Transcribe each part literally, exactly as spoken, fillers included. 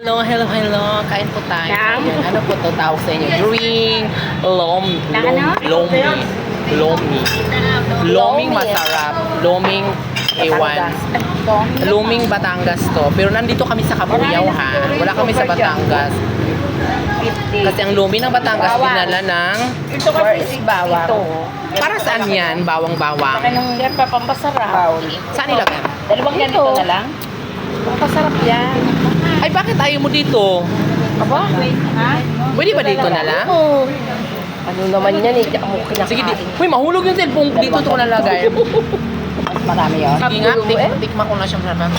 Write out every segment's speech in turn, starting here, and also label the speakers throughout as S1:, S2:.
S1: Hello, hello, hello. Kain po tayo.
S2: Nam?
S1: Ayan, ano po to tawag sa inyo? Drink. Lom,
S2: Na
S1: lom,
S2: ano?
S1: lomi. Lomi. Loming
S2: Lomi.
S1: masarap. Loming ewan.
S2: Batangas.
S1: Luming Batangas to. Pero nandito kami sa Kabuyaw ha. Wala kami sa Batangas.
S2: fifty.
S1: Kasi ang lumi ng Batangas
S2: Bawang.
S1: dinala ng...
S2: Ito kasi is bawang. Ito.
S1: Para saan yan? Bawang-bawang.
S2: Saka nung yan pa pampasarap. Bawang.
S1: Saan nilagay?
S2: Dalawang ganito na lang. Pampasarap yan.
S1: Ay, bakit ayaw mo dito?
S2: Aba? Ha?
S1: Pwede ba dito na lang?
S2: Oo. Ano naman yan eh. Ako kinakain.
S1: Sige, di. Uy, mahulog yung cellphone. Dito ito ko nalagay.
S2: Mas marami yun.
S1: Sige nga,
S2: Kapulo
S1: tik
S2: eh.
S1: tikma ko na siya sarap.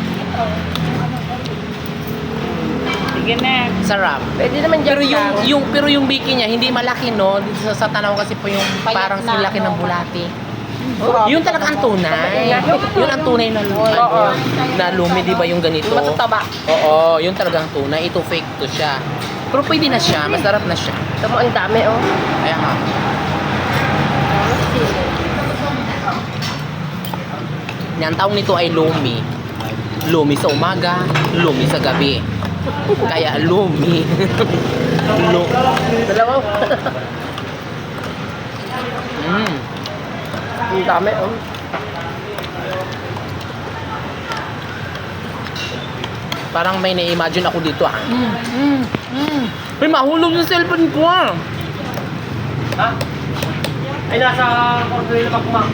S2: Sige na.
S1: Sarap.
S2: Pwede naman dyan
S1: Pero yung,
S2: lang.
S1: yung, pero yung biki niya, hindi malaki, no? Dito sa, sa tanaw kasi po yung parang
S2: na,
S1: silaki ng
S2: no?
S1: bulati.
S2: Oh,
S1: Yun talaga ang tunay. Yun ang tunay na lumi.
S2: Oo.
S1: Na lumi, di ba yung ganito?
S2: Matataba.
S1: Oo, yun talaga ang tunay. Ito fake to siya. Pero pwede na siya. Masarap na siya.
S2: Ito mo, ang dami oh.
S1: Kaya nga. Ang tawag nito ay lumi. Lumi sa umaga, lumi sa gabi. Kaya lumi. Lu
S2: Dalawa.
S1: mm.
S2: Ang dami oh.
S1: Parang may na-imagine ako dito ah. Mm, mm, mm. May mahulog yung cellphone ko ah.
S3: Ha? Ay, nasa corner na pa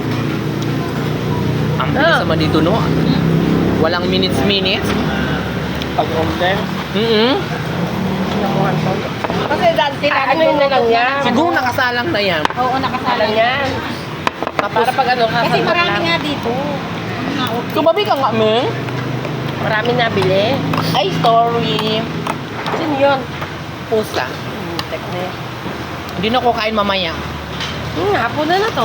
S1: Ang bilis naman dito no. Walang minutes-minutes.
S3: Pag-order.
S1: Mm-mm.
S2: Kasi dati ano yun na lang yan.
S1: Siguro nakasalang na yan.
S2: Oo, nakasalang yan.
S1: Tapos,
S2: Para pag ano, kasi marami nga dito.
S1: tumabi ka nga, Meng.
S2: Marami nabili.
S1: Ay, sorry.
S2: Sino yun?
S1: Pusa.
S2: Hmm, tek na yan.
S1: Hindi na ko kain mamaya.
S2: Hmm, hapon na na to.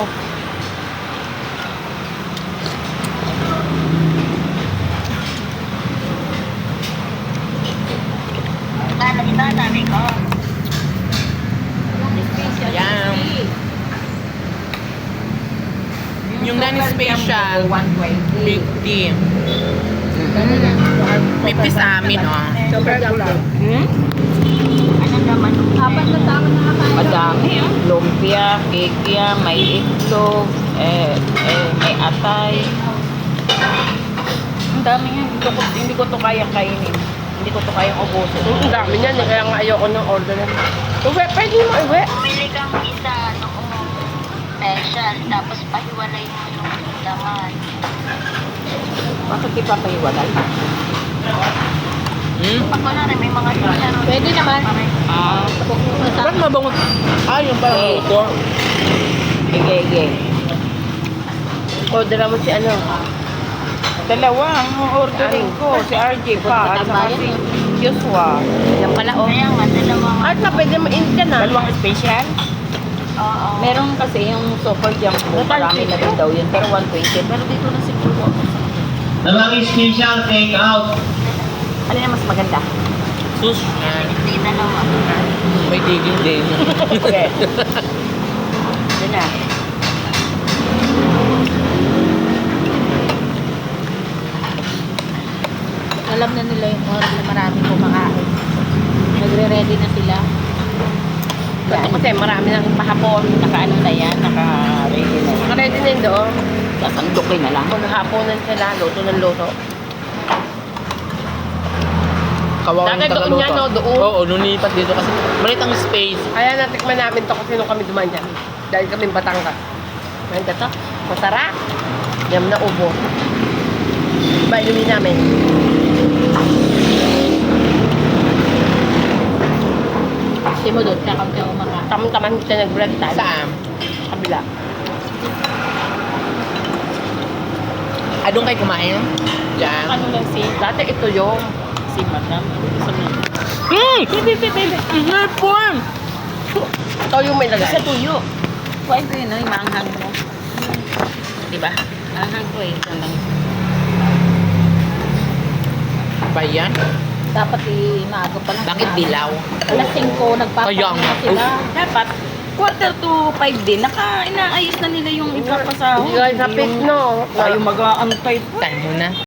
S1: Yan. Yung non-special, fifty. fifty sa amin, oh.
S2: Super lang. Hmm?
S4: Apat na tao na kakain.
S2: Madami. Lumpia, kekya, may itlog, eh, eh, may atay. Ang dami nga. Hindi ko, hindi ko to kayang kainin. Hindi ko to kayang ubusin. Ang dami niyan. Kaya nga ayoko ng order na. Uwe, pwede mo uwe.
S4: Bumili kang isa noong special, tapos pahiwalay mo yung laman.
S2: Bakit di pa pahiwalay?
S1: Hmm?
S4: Pag wala rin, may mga laro.
S2: Pwede naman. Ah.
S1: Ba't mabango? Ah, yung parang
S2: Eh.
S1: luto.
S2: Ige, ige. Order mo si ano? Dalawa ang ordering ko. Si R J pa at saka si Joshua. Yan pala oh.
S4: Kaya nga, dalawa nga.
S2: At na pwede mo-in ka na. Dalawang special?
S4: Oo.
S2: Meron kasi yung super jump ko. Marami na din daw yun. Pero one twenty. Pero dito na siguro ako.
S3: Dalawang special take out.
S2: Ano yung mas maganda?
S1: Sus. Ah,
S4: Hindi dalawa.
S1: may tigil din.
S2: Okay. Yun na.
S4: Alam na nila yung oras na marami kumakain. Nagre-ready na sila.
S2: Yan. Kasi marami nang pahapon. Naka-ano na yan. Naka-ready na. Naka-ready na yun doon. Sasandukin na lang. Kung haponan sila, luto ng luto.
S1: Kawawa
S2: Dati
S1: yung
S2: doon yan, no? Doon.
S1: Oo, lumipat dito kasi malit ang space.
S2: Kaya natikman namin to kasi nung kami dumaan dyan. Dahil kami Batangas. Ngayon to, masarap. Yam na ubo. Iba inumin namin.
S4: Kasi mo doon, kaya kami kumakain.
S2: Tamang-tamang kita nag-break time.
S1: Saan?
S2: Kabila.
S1: Ah, doon kayo kumain? Diyan.
S2: Ano lang si... Dati ito yung... Si Madam. Gusto mo.
S1: Hmm!
S2: Bibi, bibi, bibi.
S1: Hipon!
S2: Ito yung may lagay.
S4: Sa tuyo. Kuhain ko yun, no? Yung maanghang mo.
S2: Diba?
S4: Maanghang ko eh. Yan lang.
S1: Ba yan?
S4: Dapat i-maaga pa lang.
S1: Bakit dilaw?
S4: Alas singko,
S1: Kaya
S4: nagpapakain
S1: nga.
S4: na sila.
S2: Dapat quarter to five din. Naka, inaayos na nila yung ipapasahod.
S5: Hindi ka sa pit, no?
S2: Tayo mag-aantay pa.
S1: Tayo na.